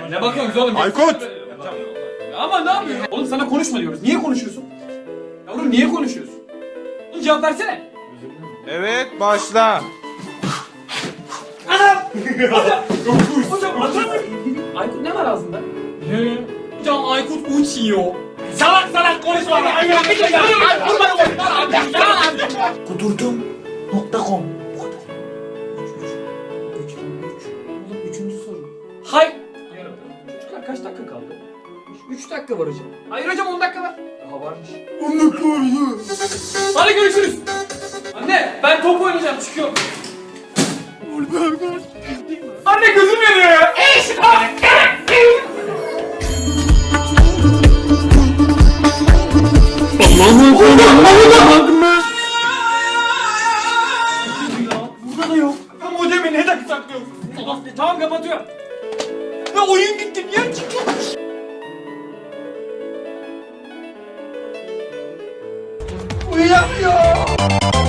Ne bakıyorsunuz oğlum? Aykut! Ya ama ne yapıyorsun? Oğlum sana konuşma diyoruz. Niye konuşuyorsun? Yavrum niye konuşuyorsun? Oğlum cevap versene. Evet, başla. Hocam atamıyorum. Aykut ne var ağzında? Hocam Aykut uçuyor. Salak konuşma. Kudurdum.com. Bu kadar. 3. soru. Hay. Çocuklar kaç dakika kaldı? 3 dakika var hocam. Hayır hocam 10 dakika var. Daha varmış. 10 dakika var ya. Hadi görüşürüz. Anne ben top oynayacağım çıkıyorum. Anne gözüm yanıyor ya. Burada da yok. Ya modemi neden saklıyorsun? Tamam kapatıyorum. Ya oyun gitti niye çıkıyormuş? Uyuyamıyor.